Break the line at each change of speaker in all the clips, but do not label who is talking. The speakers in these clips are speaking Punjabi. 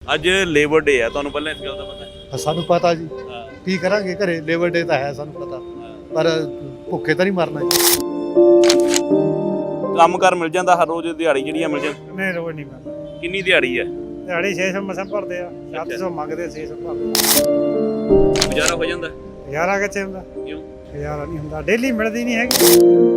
ਅੱਜ ਲੇਬਰ ਡੇ ਹੈ, ਤੁਹਾਨੂੰ ਪਹਿਲਾਂ ਇਸ ਗੱਲ ਦਾ ਪਤਾ ਹੈ?
ਸਾਨੂੰ ਪਤਾ ਜੀ,
ਹਾਂ
ਕੀ ਕਰਾਂਗੇ ਘਰੇ, ਲੇਬਰ ਡੇ ਤਾਂ ਹੈ ਸਾਨੂੰ ਪਤਾ, ਪਰ ਭੁੱਖੇ ਤਾਂ ਨਹੀਂ ਮਰਨਾ ਜੀ।
ਕੰਮ ਕਾਰ ਮਿਲ ਜਾਂਦਾ ਹਰ ਰੋਜ਼, ਦਿਹਾੜੀ ਜਿਹੜੀਆਂ ਮਿਲ ਜਾਂਦੀ?
ਨਹੀਂ ਰੋਜ਼ ਨਹੀਂ ਮਿਲਦਾ,
ਕਿੰਨੀ ਦਿਹਾੜੀ ਹੈ?
ਦਿਹਾੜੀ 600 ਮਸਾਂ ਭਰਦੇ ਆ, 700 ਮੰਗਦੇ, 600 ਭਰਦੇ।
ਗੁਜ਼ਾਰਾ ਹੋ ਜਾਂਦਾ?
ਹਜ਼ਾਰਾਂ ਕਿੱਥੇ ਹੁੰਦਾ,
ਕਿਉਂ?
ਹਜ਼ਾਰਾਂ ਨਹੀਂ ਹੁੰਦਾ, ਡੇਲੀ ਮਿਲਦੀ ਨਹੀਂ ਹੈਗੀ।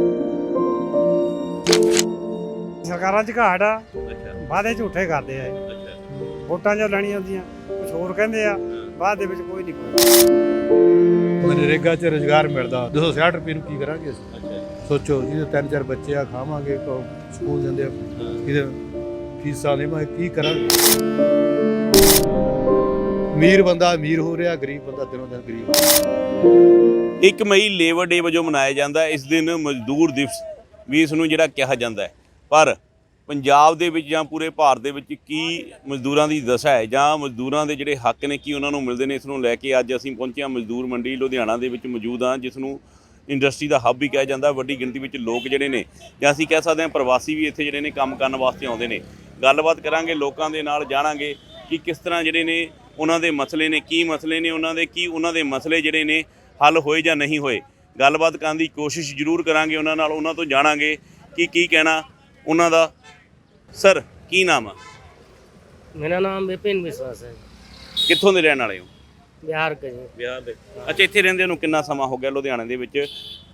ਸਰਕਾਰਾਂ 'ਚ ਘਾਟ ਆ,
ਅੱਛਾ
ਵਾਅਦੇ ਝੂਠੇ ਕਰਦੇ ਆ ਇਹ।
ਅੱਛਾ
ਵੋਟਾਂ 'ਚ ਲੈਣੀਆਂ ਹੁੰਦੀਆਂ, ਕੁਝ ਹੋਰ ਕਹਿੰਦੇ ਆ, ਬਾਅਦ ਦੇ ਵਿੱਚ ਕੋਈ ਨਹੀਂ ਕੋਈ। ਮਨਰੇਗਾ 'ਚ ਰੁਜ਼ਗਾਰ ਮਿਲਦਾ, 260 ਰੁਪਏ ਨੂੰ ਕੀ ਕਰਾਂਗੇ ਅਸੀਂ?
ਅੱਛਾ
ਸੋਚੋ, ਜਿਹਦੇ 3-4 ਬੱਚੇ ਆ, ਖਾਵਾਂਗੇ, ਸਕੂਲ ਜਾਂਦੇ ਆ, ਇਹਦੇ ਫੀਸਾਂ ਦੇਵਾਂਗੇ, ਕੀ ਕਰਾਂਗੇ? ਅਮੀਰ ਬੰਦਾ ਅਮੀਰ ਹੋ ਰਿਹਾ, ਗਰੀਬ ਬੰਦਾ ਦਿਨੋਂ ਦਿਨ ਗਰੀਬ ਹੋ ਰਿਹਾ।
1 ਮਈ ਲੇਬਰ ਡੇ ਵਜੋਂ ਮਨਾਇਆ ਜਾਂਦਾ। ਇਸ ਦਿਨ ਮਜ਼ਦੂਰ ਦਿਵਸ ਵੀ ਇਸ ਨੂੰ ਜਿਹੜਾ ਕਿਹਾ ਜਾਂਦਾ ਹੈ, ਪਰ ਪੰਜਾਬ ਦੇ ਵਿੱਚ ਜਾਂ ਪੂਰੇ ਭਾਰਤ ਦੇ ਵਿੱਚ ਕੀ ਮਜ਼ਦੂਰਾਂ ਦੀ ਦਸ਼ਾ ਹੈ ਜਾਂ ਮਜ਼ਦੂਰਾਂ ਦੇ ਜਿਹੜੇ ਹੱਕ ਨੇ ਕੀ ਉਹਨਾਂ ਨੂੰ ਮਿਲਦੇ ਨੇ, ਇਸ ਨੂੰ ਲੈ ਕੇ ਅੱਜ ਅਸੀਂ ਪਹੁੰਚੇ ਹਾਂ ਮਜ਼ਦੂਰ ਮੰਡੀ ਲੁਧਿਆਣਾ ਦੇ ਵਿੱਚ ਮੌਜੂਦ ਹਾਂ, ਜਿਸ ਨੂੰ ਇੰਡਸਟਰੀ ਦਾ ਹੱਬ ਵੀ ਕਿਹਾ ਜਾਂਦਾ। ਵੱਡੀ ਗਿਣਤੀ ਵਿੱਚ ਲੋਕ ਜਿਹੜੇ ਨੇ, ਜਾਂ ਅਸੀਂ ਕਹਿ ਸਕਦੇ ਹਾਂ ਪ੍ਰਵਾਸੀ ਵੀ ਇੱਥੇ ਜਿਹੜੇ ਨੇ ਕੰਮ ਕਰਨ ਵਾਸਤੇ ਆਉਂਦੇ ਨੇ। ਗੱਲਬਾਤ ਕਰਾਂਗੇ ਲੋਕਾਂ ਦੇ ਨਾਲ, ਜਾਣਾਂਗੇ ਕਿ ਕਿਸ ਤਰ੍ਹਾਂ ਜਿਹੜੇ ਨੇ ਉਹਨਾਂ ਦੇ ਮਸਲੇ ਨੇ, ਕੀ ਮਸਲੇ ਨੇ ਉਹਨਾਂ ਦੇ, ਕੀ ਉਹਨਾਂ ਦੇ ਮਸਲੇ ਜਿਹੜੇ ਨੇ ਹੱਲ ਹੋਏ ਜਾਂ ਨਹੀਂ ਹੋਏ। ਗੱਲਬਾਤ ਕਰਨ ਦੀ ਕੋਸ਼ਿਸ਼ ਜ਼ਰੂਰ ਕਰਾਂਗੇ ਉਹਨਾਂ ਨਾਲ, ਉਹਨਾਂ ਤੋਂ ਜਾਣਾਂਗੇ ਕਿ ਕੀ ਕਹਿਣਾ ਉਹਨਾਂ ਦਾ। ਸਰ ਕੀ ਨਾਮ ਆ?
मेरा नाम विपिन विश्वास है,
ਕਿੱਥੋਂ ਦੇ ਰਹਿਣ ਵਾਲੇ ਹੋ?
बिहार के जी।
ਬਿਹਾਰ ਦੇ। ਅੱਛਾ, ਇੱਥੇ ਰਹਿੰਦੇ ਨੂੰ ਕਿੰਨਾ ਸਮਾਂ ਹੋ ਗਿਆ ਲੁਧਿਆਣੇ ਦੇ ਵਿੱਚ?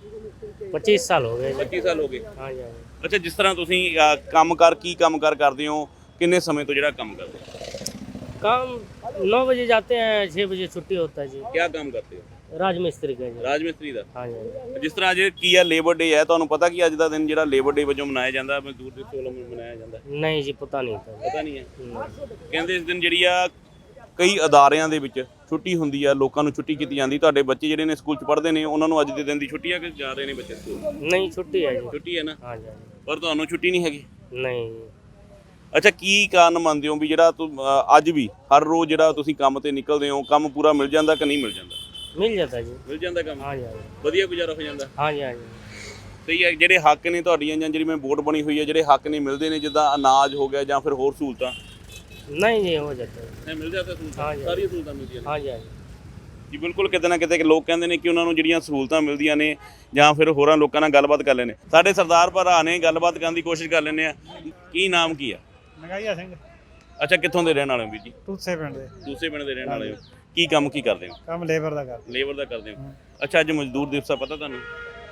25 साल हो गए जी।
25 ਸਾਲ ਹੋ ਗਏ।
हाँ जी हाँ जी।
ਅੱਛਾ, ਜਿਸ ਤਰ੍ਹਾਂ ਤੁਸੀਂ ਕੰਮਕਾਰ ਕਰਦੇ ਹੋ, ਕਿੰਨੇ ਸਮੇਂ ਤੋਂ ਜਿਹੜਾ ਕੰਮ ਕਰਦੇ ਹੋ?
काम 9 बजे जाते हैं, 6 बजे छुट्टी होता है जी।
ਕੀ ਕੰਮ ਕਰਦੇ ਹੋ?
राजमिस्त्री का जी।
ਰਾਜ ਮਿਸਤਰੀ ਦਾ।
हाँ जी हाँ जी।
ਜਿਸ ਤਰ੍ਹਾਂ ਅੱਜ ਕੀ ਆ ਲੇਬਰ ਡੇ ਹੈ, ਤੁਹਾਨੂੰ ਪਤਾ ਕਿ ਅੱਜ ਦਾ ਦਿਨ ਜਿਹੜਾ ਲੇਬਰ ਡੇ ਵਜੋਂ ਮਨਾਇਆ ਜਾਂਦਾ, ਮਜ਼ਦੂਰ ਦਿਵਸ ਵੱਲੋਂ ਮਨਾਇਆ ਜਾਂਦਾ?
नहीं जी, पता नहीं था।
ਪਤਾ ਨਹੀਂ ਹੈ।
नहीं।
ਕਹਿੰਦੇ ਇਸ ਦਿਨ ਜਿਹੜੀ ਆ ਕਈ ਅਦਾਰਿਆਂ ਦੇ ਵਿੱਚ ਛੁੱਟੀ ਹੁੰਦੀ ਆ, ਲੋਕਾਂ ਨੂੰ ਛੁੱਟੀ ਕੀਤੀ ਜਾਂਦੀ। ਤੁਹਾਡੇ ਬੱਚੇ ਜਿਹੜੇ ਨੇ ਸਕੂਲ 'ਚ ਪੜ੍ਹਦੇ ਨੇ, ਉਹਨਾਂ ਨੂੰ ਅੱਜ ਦੇ ਦਿਨ ਦੀ ਛੁੱਟੀ ਆ ਕਿ ਜਾ ਰਹੇ ਨੇ ਬੱਚੇ ਸਕੂਲ?
नहीं छुट्टी है जी।
ਛੁੱਟੀ ਹੈ ਨਾ,
हाँ जी हाँ जी।
ਪਰ ਤੁਹਾਨੂੰ ਛੁੱਟੀ ਨਹੀਂ ਹੈਗੀ।
नहीं।
ਅੱਛਾ, ਕੀ ਕਾਰਨ ਮੰਨਦੇ ਹੋ ਵੀ ਜਿਹੜਾ ਅੱਜ ਵੀ ਹਰ ਰੋਜ਼ ਜਿਹੜਾ ਤੁਸੀਂ ਕੰਮ ਤੇ ਨਿਕਲਦੇ ਹੋ, ਕੰਮ ਪੂਰਾ ਮਿਲ ਜਾਂਦਾ ਕਿ ਨਹੀਂ ਮਿਲ ਜਾਂਦਾ?
मिल जाता है जी।
ਮਿਲ ਜਾਂਦਾ ਕੰਮ,
हाँ जी हाँ जी।
ਵਧੀਆ ਗੁਜ਼ਾਰਾ ਹੋ ਜਾਂਦਾ।
हाँ जी हाँ जी।
ਸਹੀ ਹੈ। ਜਿਹੜੇ ਹੱਕ ਨੇ ਤੁਹਾਡੀਆਂ ਜਾਂ ਜਿਹੜੀ ਮੈਂ ਵੋਟ ਬਣੀ ਹੋਈ ਹੈ, ਜਿਹੜੇ ਹੱਕ ਨਹੀਂ ਮਿਲਦੇ ਨੇ, ਜਿੱਦਾਂ ਅਨਾਜ ਹੋ ਗਿਆ ਜਾਂ ਫਿਰ ਹੋਰ ਸਹੂਲਤਾਂ?
नहीं जी, हो जाता है।
ਮਿਲ ਜਾਂਦਾ ਸਹੂਲਤਾਂ,
ਹਾਂਜੀ।
ਸਾਰੀਆਂ ਸਹੂਲਤਾਂ ਮਿਲਦੀਆਂ ਨੇ।
हाँ जी हाँ जी।
ਜੀ ਬਿਲਕੁਲ, ਕਿਤੇ ਨਾ ਕਿਤੇ ਲੋਕ ਕਹਿੰਦੇ ਨੇ ਕਿ ਉਹਨਾਂ ਨੂੰ ਜਿਹੜੀਆਂ ਸਹੂਲਤਾਂ ਮਿਲਦੀਆਂ ਨੇ, ਜਾਂ ਫਿਰ ਹੋਰਾਂ ਲੋਕਾਂ ਨਾਲ ਗੱਲਬਾਤ ਕਰ ਲੈਣੇ। ਸਾਡੇ ਸਰਦਾਰ ਭਰਾ ਨੇ, ਗੱਲਬਾਤ ਕਰਨ ਦੀ ਕੋਸ਼ਿਸ਼ ਕਰ ਲੈਂਦੇ ਆ। ਕੀ ਨਾਮ ਕੀ ਆ?
ਨਗਾਈਆ ਸਿੰਘ,
ਅੱਛਾ, ਕਿੱਥੋਂ ਦੇ ਰਹਿਣ ਵਾਲੇ ਹੋ ਵੀਰ ਜੀ?
ਟੂਸੇ ਪਿੰਡ ਦੇ।
ਦੂਸਰੇ ਪਿੰਡ ਦੇ ਰਹਿਣ ਵਾਲੇ ਹੋ। ਕੀ ਕੰਮ ਕੀ ਕਰਦੇ ਹੋ?
ਕੰਮ ਲੇਬਰ ਦਾ ਕਰਦੇ।
ਲੇਬਰ ਦਾ ਕਰਦੇ ਹੋ। ਅੱਛਾ, ਅੱਜ ਮਜ਼ਦੂਰ ਦਿਵਸ ਆ, ਪਤਾ ਤੁਹਾਨੂੰ?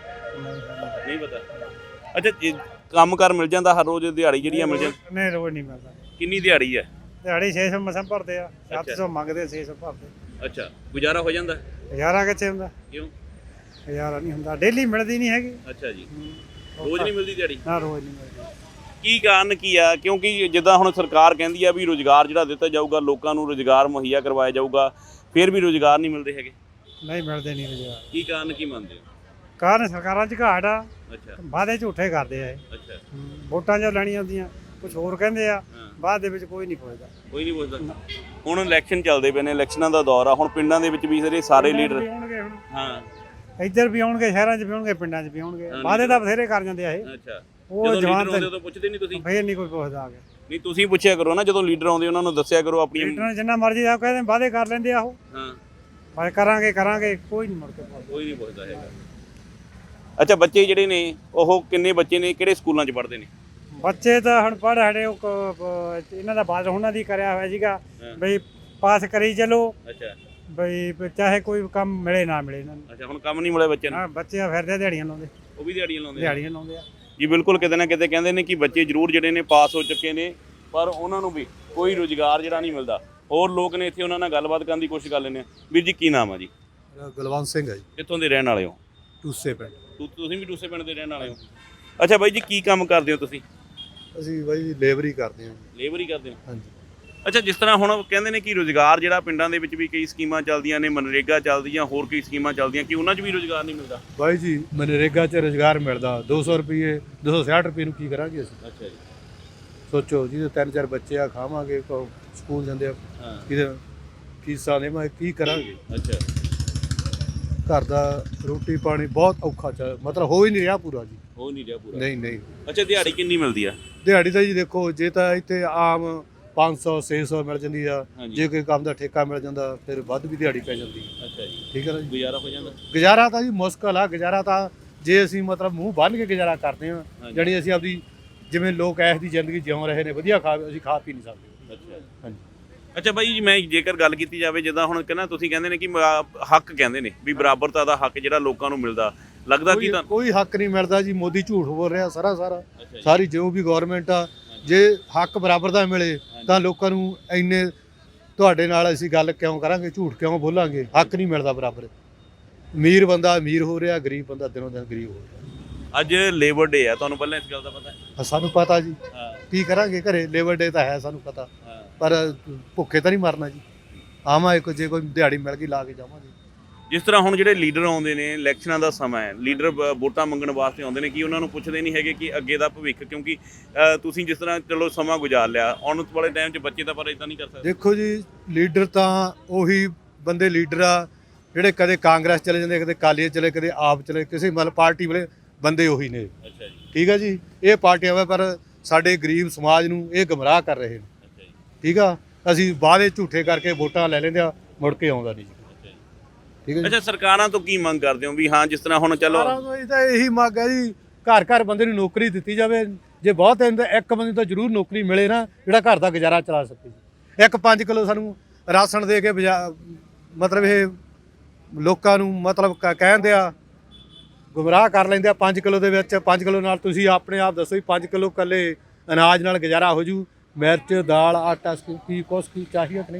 ਨਹੀਂ ਪਤਾ। ਅੱਛਾ, ਕੰਮ ਕਾਰ ਮਿਲ ਜਾਂਦਾ ਹਰ ਰੋਜ਼, ਦਿਹਾੜੀ ਜਿਹੜੀਆਂ ਮਿਲ ਜਾਂਦੀ?
ਨਹੀਂ ਰੋਜ਼ ਨਹੀਂ ਮਿਲਦਾ,
ਕਿੰਨੀ ਦਿਹਾੜੀ ਹੈ?
ਦਿਹਾੜੀ 600 ਮਸਾਂ ਭਰਦੇ ਆ, 700 ਮੰਗਦੇ, 600 ਭਰਦੇ।
ਅੱਛਾ, ਗੁਜ਼ਾਰਾ ਹੋ ਜਾਂਦਾ?
ਹਜ਼ਾਰਾਂ ਕਿੱਥੇ ਹੁੰਦਾ,
ਕਿਉਂ?
ਹਜ਼ਾਰਾਂ ਨਹੀਂ ਹੁੰਦਾ, ਡੇਲੀ ਮਿਲਦੀ ਨਹੀਂ ਹੈਗੀ।
ਅੱਛਾ ਜੀ, ਰੋਜ਼ ਨਹੀਂ ਮਿਲਦੀ ਦਿਹਾੜੀ?
ਨਾ ਰੋਜ਼ ਨਹੀਂ ਮਿਲਦੀ।
ਕੀ ਕਾਰਨ ਕੀ ਆ? ਕਿਉਂਕਿ ਜਿੱਦਾਂ ਹੁਣ ਸਰਕਾਰ ਕਹਿੰਦੀ ਆ ਵੀ ਰੁਜ਼ਗਾਰ ਜਿਹੜਾ ਦਿੱਤਾ ਜਾਊਗਾ, ਲੋਕਾਂ ਨੂੰ ਰੁਜ਼ਗਾਰ ਮੁਹੱਈਆ ਕਰਵਾਇਆ ਜਾਊਗਾ, ਫਿਰ ਵੀ ਰੁਜ਼ਗਾਰ ਨਹੀਂ ਮਿਲਦੇ ਹੈਗੇ।
ਨਹੀਂ ਮਿਲਦੇ ਨਹੀਂ ਰੁਜ਼ਗਾਰ।
ਕੀ ਕਾਰਨ ਕੀ ਮੰਨਦੇ ਹੋ?
ਕਾਰਨ ਸਰਕਾਰਾਂ 'ਚ ਘਾਟ ਆ,
ਅੱਛਾ
ਵਾਅਦੇ ਝੂਠੇ ਕਰਦੇ ਆ ਇਹ।
ਅੱਛਾ,
ਵੋਟਾਂ 'ਚ ਲੈਣੀਆਂ ਹੁੰਦੀਆਂ, ਕੁਝ ਹੋਰ ਕਹਿੰਦੇ ਆ,
ਹਾਂ,
ਬਾਅਦ ਦੇ ਵਿੱਚ ਕੋਈ ਨਹੀਂ ਪੁੱਛਦਾ।
ਕੋਈ ਨਹੀਂ ਪੁੱਛਦਾ। ਹੁਣ ਇਲੈਕਸ਼ਨ ਚੱਲਦੇ ਪਏ ਨੇ, ਇਲੈਕਸ਼ਨਾਂ ਦਾ ਦੌਰ ਆ, ਹੁਣ ਪਿੰਡਾਂ ਦੇ ਵਿੱਚ ਵੀ ਸਾਰੇ ਲੀਡਰ,
ਵੀ ਆਉਣਗੇ ਹੁਣ,
ਹਾਂ
ਇੱਧਰ ਵੀ ਆਉਣਗੇ, ਸ਼ਹਿਰਾਂ 'ਚ ਵੀ ਆਉਣਗੇ, ਪਿੰਡਾਂ 'ਚ ਵੀ ਆਉਣਗੇ। ਵਾਅਦੇ ਤਾਂ ਬਥੇਰੇ ਕਰ ਜਾਂਦੇ ਆ ਇਹ।
ਅੱਛਾ,
ਉਹ
ਜਦੋਂ
ਜਵਾਨ
ਲੀਡਰ ਆਉਂਦੇ ਤਾਂ ਪੁੱਛਦੇ ਨਹੀਂ ਤੁਸੀਂ?
ਫੇਰ ਨਹੀਂ ਕੋਈ ਪੁੱਛਦਾ ਆ ਕੇ।
ਨਹੀਂ, ਤੁਸੀਂ ਪੁੱਛਿਆ ਕਰੋ ਨਾ, ਜਦੋਂ ਲੀਡਰ ਆਉਂਦੇ ਉਹਨਾਂ ਨੂੰ ਦੱਸਿਆ ਕਰੋ ਆਪਣੀਆਂ।
ਲੀਡਰਾਂ ਜਿੰਨਾ ਮਰਜ਼ੀ ਆ ਕਹਿੰਦੇ, ਵਾਅਦੇ ਕਰ ਲੈਂਦੇ ਆ ਉਹ,
ਹਾਂ,
ਪਰ ਕਰਾਂਗੇ ਕੋਈ ਨਹੀਂ ਮੁੜ ਕੇ ਪੁੱਛਦਾ।
ਕੋਈ ਨਹੀਂ ਪੁੱਛਦਾ ਹੈਗਾ। ਅੱਛਾ, ਬੱਚੇ ਜਿਹੜੇ ਨੇ ਉਹ ਕਿੰਨੇ ਬੱਚੇ ਨੇ, ਕਿਹੜੇ ਸਕੂਲਾਂ 'ਚ ਪੜ੍ਹਦੇ ਨੇ?
ਬੱਚੇ ਤਾਂ ਹੁਣ ਪੜ੍ਹ ਹਟੇ, ਇਹਨਾਂ ਦਾ ਬਾਅਦ ਉਹਨਾਂ ਦੀ ਕਰਿਆ ਹੋਇਆ ਸੀਗਾ ਬਈ ਪਾਸ ਕਰੀ ਚਲੋ,
ਅੱਛਾ
ਬਈ ਚਾਹੇ ਕੋਈ ਕੰਮ ਮਿਲੇ ਨਾ ਮਿਲੇ ਇਹਨਾਂ ਨੂੰ।
ਅੱਛਾ, ਹੁਣ ਕੰਮ ਨਹੀਂ ਮਿਲਿਆ ਬੱਚਿਆਂ ਨੂੰ?
ਹਾਂ, ਬੱਚੇ ਫਿਰਦੇ ਦਿਹਾੜੀਆਂ ਲਾਉਂਦੇ,
ਉਹ ਵੀ ਦਿਹਾੜੀਆਂ ਲਾਉਂਦੇ ਆ?
ਦਿਹਾੜੀਆਂ ਲਾਉਂਦੇ ਆ
ਜੀ ਬਿਲਕੁਲ, ਕਿਤੇ ਨਾ ਕਿਤੇ ਕਹਿੰਦੇ ਨੇ ਕਿ ਬੱਚੇ ਜ਼ਰੂਰ ਜਿਹੜੇ ਨੇ ਪਾਸ ਹੋ ਚੁੱਕੇ ਨੇ, ਪਰ ਉਹਨਾਂ ਨੂੰ ਵੀ ਕੋਈ ਰੁਜ਼ਗਾਰ ਜਿਹੜਾ ਨਹੀਂ ਮਿਲਦਾ। ਹੋਰ ਲੋਕ ਨੇ ਇੱਥੇ, ਉਹਨਾਂ ਨਾਲ ਗੱਲਬਾਤ ਕਰਨ ਦੀ ਕੋਸ਼ਿਸ਼ ਕਰ ਲੈਂਦੇ ਆ। ਵੀਰ ਜੀ ਕੀ ਨਾਮ ਆ ਜੀ?
ਗੁਲਵੰਤ ਸਿੰਘ ਹੈ ਜੀ,
ਕਿੱਥੋਂ ਦੇ ਰਹਿਣ ਵਾਲੇ ਹੋ?
ਟੂਸੇ ਪਿੰਡ।
ਤੁਸੀਂ ਵੀ ਟੂਸੇ ਪਿੰਡ ਦੇ ਰਹਿਣ ਵਾਲੇ ਹੋ? ਅੱਛਾ ਬਾਈ ਜੀ, ਕੀ ਕੰਮ ਕਰਦੇ ਹੋ ਤੁਸੀਂ?
ਅਸੀਂ ਬਾਈ ਲੇਬਰ ਹੀ ਕਰਦੇ ਹਾਂ।
ਲੇਬਰ ਹੀ ਕਰਦੇ ਹੋ?
ਹਾਂਜੀ।
ਅੱਛਾ, ਜਿਸ ਤਰ੍ਹਾਂ ਹੁਣ ਕਹਿੰਦੇ ਨੇ ਕਿ ਰੁਜ਼ਗਾਰ ਜਿਹੜਾ ਪਿੰਡਾਂ ਦੇ ਵਿੱਚ ਵੀ ਕਈ ਸਕੀਮਾਂ ਚੱਲਦੀਆਂ ਨੇ, ਮਨਰੇਗਾ ਚੱਲਦੀ ਜਾਂ ਹੋਰ ਕਈ ਸਕੀਮਾਂ ਚੱਲਦੀਆਂ, ਕਿ ਉਹਨਾਂ 'ਚ ਵੀ ਰੁਜ਼ਗਾਰ ਨਹੀਂ ਮਿਲਦਾ?
ਬਾਈ ਜੀ, ਮਨਰੇਗਾ 'ਚ ਰੁਜ਼ਗਾਰ ਮਿਲਦਾ, 200 ਰੁਪਏ, 260 ਰੁਪਏ ਨੂੰ ਕੀ ਕਰਾਂਗੇ ਅਸੀਂ?
ਅੱਛਾ ਜੀ।
ਸੋਚੋ, ਜਿਹਦੇ 3-4 ਬੱਚੇ ਆ, ਖਾਵਾਂਗੇ, ਸਕੂਲ ਜਾਂਦੇ ਆ,
ਹਾਂ,
ਇਹਦੇ ਫੀਸਾਂ ਦੇਵਾਂਗੇ, ਕੀ ਕਰਾਂਗੇ?
ਅੱਛਾ,
ਘਰ ਦਾ ਰੋਟੀ ਪਾਣੀ ਬਹੁਤ ਔਖਾ ਚੱਲ, ਮਤਲਬ ਹੋ ਹੀ ਨਹੀਂ ਰਿਹਾ ਪੂਰਾ ਜੀ।
ਹੋ ਨਹੀਂ ਰਿਹਾ ਪੂਰਾ?
ਨਹੀਂ।
ਅੱਛਾ, ਦਿਹਾੜੀ ਕਿੰਨੀ ਮਿਲਦੀ ਆ?
ਦਿਹਾੜੀ ਤਾਂ ਜੀ ਦੇਖੋ, ਜੇ ਤਾਂ ਇੱਥੇ ਆਮ 500 600 ਮਿਲ ਜਾਂਦੀ ਆ।
ਹਾਂਜੀ।
ਜੇ ਕੋਈ ਕੰਮ ਦਾ ਠੇਕਾ ਮਿਲ ਜਾਂਦਾ ਫਿਰ ਵੱਧ ਵੀ ਦਿਹਾੜੀ ਪੈ ਜਾਂਦੀ ਹੈ।
ਅੱਛਾ ਜੀ,
ਠੀਕ ਹੈ ਨਾ ਜੀ।
ਗੁਜ਼ਾਰਾ ਹੋ ਜਾਂਦਾ।
ਗੁਜ਼ਾਰਾ ਤਾਂ ਜੀ ਮੁਸ਼ਕਲ ਆ। ਗੁਜ਼ਾਰਾ ਤਾਂ ਜੇ ਅਸੀਂ ਮਤਲਬ ਮੂੰਹ ਬੰਨ੍ਹ ਕੇ ਗੁਜ਼ਾਰਾ ਕਰਦੇ ਹਾਂ,
ਹਾਂਜੀ।
ਜਾਣੀ ਅਸੀਂ ਆਪਦੀ ਜਿਵੇਂ ਲੋਕ ਐਸ ਦੀ ਜ਼ਿੰਦਗੀ ਜਿਉਂ ਰਹੇ ਨੇ ਵਧੀਆ ਅਸੀਂ ਖਾ ਪੀ ਨਹੀਂ ਸਕਦੇ।
ਅੱਛਾ
ਹਾਂਜੀ।
ਅੱਛਾ ਬਾਈ ਜੀ, ਮੈਂ ਜੇਕਰ ਗੱਲ ਕੀਤੀ ਜਾਵੇ ਜਿੱਦਾਂ ਹੁਣ ਕਹਿੰਦਾ ਤੁਸੀਂ ਕਹਿੰਦੇ ਨੇ ਕਿ ਹੱਕ ਕਹਿੰਦੇ ਨੇ ਵੀ ਬਰਾਬਰਤਾ ਦਾ ਹੱਕ ਜਿਹੜਾ ਲੋਕਾਂ ਨੂੰ ਮਿਲਦਾ, ਲੱਗਦਾ ਕਿ ਤਾਂ
ਕੋਈ ਹੱਕ ਨਹੀਂ ਮਿਲਦਾ ਜੀ। ਮੋਦੀ ਝੂਠ ਬੋਲ ਰਿਹਾ ਸਾਰਾ।
ਅੱਛਾ ਜੀ।
ਸਾਰੀ ਜੋ ਵੀ ਗਵਰਨਮੈਂਟ ਆ, ਜੇ ਹੱਕ ਬਰਾਬਰ ਦਾ ਮਿਲੇ ਤਾਂ ਲੋਕਾਂ ਨੂੰ ਇੰਨੇ ਤੁਹਾਡੇ ਨਾਲ ਅਸੀਂ ਗੱਲ ਕਿਉਂ ਕਰਾਂਗੇ, ਝੂਠ ਕਿਉਂ ਬੋਲਾਂਗੇ। ਹੱਕ ਨਹੀਂ ਮਿਲਦਾ ਬਰਾਬਰ। ਅਮੀਰ ਬੰਦਾ ਅਮੀਰ ਹੋ ਰਿਹਾ, ਗਰੀਬ ਬੰਦਾ ਦਿਨੋਂ ਦਿਨ ਗਰੀਬ ਹੋ ਰਿਹਾ।
ਅੱਜ ਲੇਬਰ ਡੇ ਆ, ਤੁਹਾਨੂੰ ਪਹਿਲਾਂ ਇਸ ਗੱਲ ਦਾ ਪਤਾ ਹੈ?
ਸਾਨੂੰ ਪਤਾ ਜੀ,
ਹਾਂ
ਕੀ ਕਰਾਂਗੇ ਘਰੇ। ਲੇਬਰ ਡੇ ਤਾਂ ਹੈ ਸਾਨੂੰ ਪਤਾ,
ਹਾਂ।
ਪਰ ਭੁੱਖੇ ਤਾਂ ਨਹੀਂ ਮਰਨਾ ਜੀ। ਆਵਾਂਗੇ ਜੇ ਕੋਈ ਦਿਹਾੜੀ ਮਿਲ ਗਈ ਲਾ ਕੇ ਜਾਵਾਂਗੇ।
ਜਿਸ ਤਰ੍ਹਾਂ ਹੁਣ ਜਿਹੜੇ ਲੀਡਰ ਆਉਂਦੇ ਨੇ, ਇਲੈਕਸ਼ਨਾਂ ਦਾ ਸਮਾਂ ਹੈ, ਲੀਡਰ ਵੋਟਾਂ ਮੰਗਣ ਵਾਸਤੇ ਆਉਂਦੇ ਨੇ, ਕਿ ਉਹਨਾਂ ਨੂੰ ਪੁੱਛਦੇ ਨਹੀਂ ਹੈਗੇ ਕਿ ਅੱਗੇ ਦਾ ਭਵਿੱਖ, ਕਿਉਂਕਿ ਤੁਸੀਂ ਜਿਸ ਤਰ੍ਹਾਂ ਚਲੋ ਸਮਾਂ ਗੁਜ਼ਾਰ ਲਿਆ, ਆਉਣ ਵਾਲੇ ਟਾਈਮ 'ਚ ਬੱਚੇ ਤਾਂ ਪਰ ਇਦਾਂ ਨਹੀਂ ਕਰ ਸਕਦੇ।
ਦੇਖੋ ਜੀ, ਲੀਡਰ ਤਾਂ ਉਹੀ ਬੰਦੇ ਲੀਡਰ ਆ ਜਿਹੜੇ ਕਦੇ ਕਾਂਗਰਸ ਚਲੇ ਜਾਂਦੇ, ਕਦੇ ਅਕਾਲੀ ਚਲੇ, ਕਦੇ ਆਪ ਚਲੇ, ਕਿਸੇ ਮਤਲਬ ਪਾਰਟੀ ਵਾਲੇ ਬੰਦੇ ਉਹੀ ਨੇ।
ਅੱਛਾ ਜੀ।
ਠੀਕ ਹੈ ਜੀ। ਇਹ ਪਾਰਟੀਆਂ ਵਾ ਪਰ ਸਾਡੇ ਗਰੀਬ ਸਮਾਜ ਨੂੰ ਇਹ ਗੁੰਮਰਾਹ ਕਰ ਰਹੇ ਨੇ।
ਅੱਛਾ ਜੀ।
ਠੀਕ ਆ। ਅਸੀਂ ਵਾਅਦੇ ਝੂਠੇ ਕਰਕੇ ਵੋਟਾਂ ਲੈ ਲੈਂਦੇ ਆ, ਮੁੜ ਕੇ ਆਉਂਦਾ ਨਹੀਂ ਜੀ।
ਅੱਛਾ ਜੀ।
ਠੀਕ ਹੈ ਜੀ।
ਅੱਛਾ, ਸਰਕਾਰਾਂ ਤੋਂ ਕੀ ਮੰਗ ਕਰਦੇ ਹੋ ਵੀ ਹਾਂ ਜਿਸ ਤਰ੍ਹਾਂ ਹੁਣ ਚਲੋ
ਸਰਕਾਰਾਂ ਤੋਂ ਇਹ ਤਾਂ ਇਹੀ ਮੰਗ ਹੈ ਜੀ, ਘਰ ਘਰ ਬੰਦੇ ਨੂੰ ਨੌਕਰੀ ਦਿੱਤੀ ਜਾਵੇ। ਜੇ ਬਹੁਤ ਹੈ ਤਾਂ ਇੱਕ ਬੰਦੇ ਤਾਂ ਜ਼ਰੂਰ ਨੌਕਰੀ ਮਿਲੇ ਨਾ, ਜਿਹੜਾ ਘਰ ਦਾ ਗੁਜ਼ਾਰਾ ਚਲਾ ਸਕੇ ਜੀ। ਇੱਕ 5 ਕਿਲੋ ਸਾਨੂੰ ਰਾਸ਼ਨ ਦੇ ਕੇ ਮਤਲਬ ਇਹ ਲੋਕਾਂ ਨੂੰ ਮਤਲਬ ਕਹਿੰਦੇ ਆ, ਗੁੰਮਰਾਹ ਕਰ ਲੈਂਦੇ ਆ। 5 ਕਿਲੋ ਦੇ ਵਿੱਚ 5 ਕਿਲੋ ਨਾਲ ਤੁਸੀਂ ਆਪਣੇ ਆਪ ਦੱਸੋ ਵੀ 5 ਕਿਲੋ ਇਕੱਲੇ ਅਨਾਜ ਨਾਲ ਗੁਜ਼ਾਰਾ ਹੋ ਜੂ। ਮਿਰਚ, ਦਾਲ, ਆਟਾ ਕੀ ਕੁਛ ਕੀ ਚਾਹੀਦਾ ਕਿ ਨਹੀਂ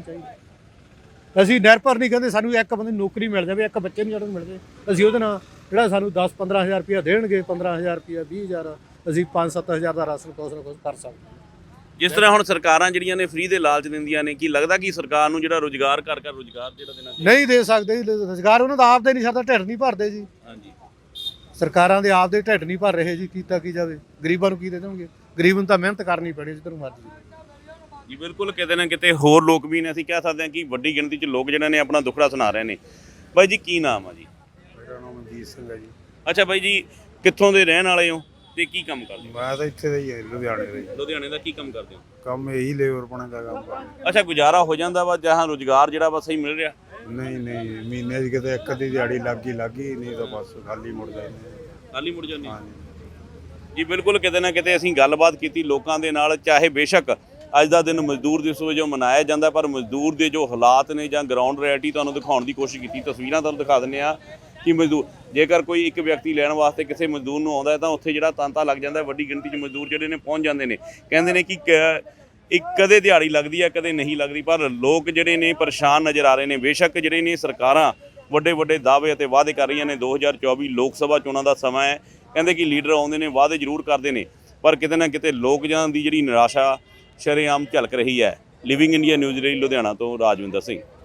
ਚਾਹੀਦਾ। ਅਸੀਂ ਨਿਰਭਰ ਨਹੀਂ ਕਹਿੰਦੇ ਸਾਨੂੰ ਇੱਕ ਬੰਦੇ ਨੂੰ ਨੌਕਰੀ ਮਿਲ ਜਾਵੇ, ਇੱਕ ਬੱਚੇ ਨੂੰ ਜਦੋਂ ਮਿਲ ਜਾਵੇ, ਅਸੀਂ ਉਹਦੇ ਨਾਲ ਜਿਹੜਾ ਸਾਨੂੰ 10-15 ਹਜ਼ਾਰ ਰੁਪਇਆ ਦੇਣਗੇ, 15 ਹਜ਼ਾਰ ਰੁਪਇਆ, 20 ਹਜ਼ਾਰ, ਅਸੀਂ 5-7 ਹਜ਼ਾਰ ਦਾ ਰਾਸ਼ਨ ਕੁਛ ਨਾ ਕੁਛ ਕਰ ਸਕਦੇ ਹਾਂ।
ਜਿਸ ਤਰ੍ਹਾਂ ਹੁਣ ਸਰਕਾਰਾਂ ਜਿਹੜੀਆਂ ਨੇ ਫ੍ਰੀ ਦੇ ਲਾਲਚ ਦਿੰਦੀਆਂ ਨੇ, ਕੀ ਲੱਗਦਾ ਕਿ ਸਰਕਾਰ ਨੂੰ ਜਿਹੜਾ ਰੋਜ਼ਗਾਰ ਘਰ ਰੋਜ਼ਗਾਰ ਜਿਹੜਾ ਦੇਣਾ ਚਾਹੀਦਾ?
ਨਹੀਂ ਦੇ ਸਕਦੇ ਜੀ ਰੁਜ਼ਗਾਰ। ਉਹਨਾਂ ਦਾ ਆਪਦੇ ਨਹੀਂ ਸਰਦਾ, ਢਿੱਡ ਨਹੀਂ ਭਰਦੇ ਜੀ।
ਹਾਂਜੀ।
ਸਰਕਾਰਾਂ ਦੇ ਆਪਦੇ ਢਿੱਡ ਨਹੀਂ ਭਰ ਰਹੇ ਜੀ। ਕੀਤਾ ਕੀ ਜਾਵੇ, ਗਰੀਬਾਂ ਨੂੰ ਕੀ ਦੇ ਦੇਣਗੇ। ਗਰੀਬ ਨੂੰ ਤਾਂ ਮਿਹਨਤ ਕਰਨੀ ਪੈਣੀ ਜਿੱਧਰੋਂ ਮਰਜ਼ੀ।
ਜੀ ਬਿਲਕੁਲ, ਕਿਤੇ ਨਾ ਕਿਤੇ ਹੋਰ ਲੋਕ ਵੀ ਨੇ, ਅਸੀਂ ਕਹਿ ਸਕਦੇ ਹਾਂ ਕਿ ਵੱਡੀ ਗਿਣਤੀ 'ਚ ਲੋਕ ਜਿਹੜੇ ਨੇ ਆਪਣਾ ਦੁੱਖੜਾ ਸੁਣਾ ਰਹੇ ਨੇ। ਬਾਈ ਜੀ, ਕੀ ਨਾਮ ਆ ਜੀ?
ਮੇਰਾ ਨਾਮ ਮਨਜੀਤ ਸਿੰਘ ਹੈ ਜੀ।
ਅੱਛਾ ਬਾਈ ਜੀ, ਕਿੱਥੋਂ ਦੇ ਰਹਿਣ ਵਾਲੇ ਹੋ ਤੇ ਕੀ ਕੰਮ ਕਰਦੇ ਹੋ?
ਮੈਂ ਤਾਂ ਇੱਥੇ ਦਾ ਹੀ ਹੈ, ਲੁਧਿਆਣੇ ਦਾ ਹੀ।
ਲੁਧਿਆਣੇ ਦਾ ਕੀ ਕੰਮ ਕਰਦੇ ਹੋ?
ਕੰਮ ਇਹੀ ਲੇਬਰ ਪਾਉਣੇ ਦਾ ਕੰਮ ਕਰਦਾ।
ਅੱਛਾ, ਗੁਜ਼ਾਰਾ ਹੋ ਜਾਂਦਾ ਵਾ ਜਾਂ ਰੋਜ਼ਗਾਰ ਜਿਹੜਾ ਵਾ ਸਹੀ ਮਿਲ ਰਿਹਾ?
ਨਹੀਂ ਮਹੀਨੇ 'ਚ ਕਿਤੇ ਇੱਕ ਅੱਧੀ ਦਿਹਾੜੀ ਲੱਗ ਗਈ, ਨਹੀਂ ਤਾਂ ਬਸ ਖਾਲੀ ਮੁੜ ਜਾਂਦੇ।
ਖਾਲੀ ਮੁੜ ਜਾਂਦੇ?
ਹਾਂਜੀ।
ਜੀ ਬਿਲਕੁਲ, ਕਿਤੇ ਨਾ ਕਿਤੇ ਅਸੀਂ ਗੱਲਬਾਤ ਕੀਤੀ ਲੋਕਾਂ ਦੇ ਨਾਲ। ਚਾਹੇ ਬੇਸ਼ੱਕ ਅੱਜ ਦਾ ਦਿਨ ਮਜ਼ਦੂਰ ਦਿਵਸ ਵਜੋਂ ਮਨਾਇਆ ਜਾਂਦਾ, ਪਰ ਮਜ਼ਦੂਰ ਦੇ ਜੋ ਹਾਲਾਤ ਨੇ ਜਾਂ ਗਰਾਊਂਡ ਰਿਐਲਿਟੀ ਤੁਹਾਨੂੰ ਦਿਖਾਉਣ ਦੀ ਕੋਸ਼ਿਸ਼ ਕੀਤੀ। ਤਸਵੀਰਾਂ ਤੁਹਾਨੂੰ ਦਿਖਾ ਦਿੰਦੇ ਆ ਕਿ ਮਜ਼ਦੂਰ, ਜੇਕਰ ਕੋਈ ਇੱਕ ਵਿਅਕਤੀ ਲੈਣ ਵਾਸਤੇ ਕਿਸੇ ਮਜ਼ਦੂਰ ਨੂੰ ਆਉਂਦਾ ਹੈ ਤਾਂ ਉੱਥੇ ਜਿਹੜਾ ਤਾਂਤਾ ਲੱਗ ਜਾਂਦਾ। ਵੱਡੀ ਗਿਣਤੀ 'ਚ ਮਜ਼ਦੂਰ ਜਿਹੜੇ ਨੇ ਪਹੁੰਚ ਜਾਂਦੇ ਨੇ। ਕਹਿੰਦੇ ਨੇ ਕਿ ਇੱਕ ਕਦੇ ਦਿਹਾੜੀ ਲੱਗਦੀ ਹੈ, ਕਦੇ ਨਹੀਂ ਲੱਗਦੀ, ਪਰ ਲੋਕ ਜਿਹੜੇ ਨੇ ਪਰੇਸ਼ਾਨ ਨਜ਼ਰ ਆ ਰਹੇ ਨੇ। ਬੇਸ਼ੱਕ ਜਿਹੜੇ ਨੇ ਸਰਕਾਰਾਂ ਵੱਡੇ ਦਾਅਵੇ ਅਤੇ ਵਾਅਦੇ ਕਰ ਰਹੀਆਂ ਨੇ। 2024 ਲੋਕ ਸਭਾ ਚੋਣਾਂ ਦਾ ਸਮਾਂ ਹੈ। ਕਹਿੰਦੇ ਕਿ ਲੀਡਰ ਆਉਂਦੇ ਨੇ, ਵਾਅਦੇ ਜ਼ਰੂਰ ਕਰਦੇ ਨੇ, ਪਰ ਕਿਤੇ ਨਾ ਕਿਤੇ ਲੋਕਾਂ ਦੀ ਜਿਹੜੀ ਨਿਰਾਸ਼ਾ ਸ਼ਰੇਆਮ ਝਲਕ ਰਹੀ ਹੈ। ਲਿਵਿੰਗ ਇੰਡੀਆ ਨਿਊਜ਼ ਲਈ ਲੁਧਿਆਣਾ ਤੋਂ ਰਾਜਵਿੰਦਰ ਸਿੰਘ।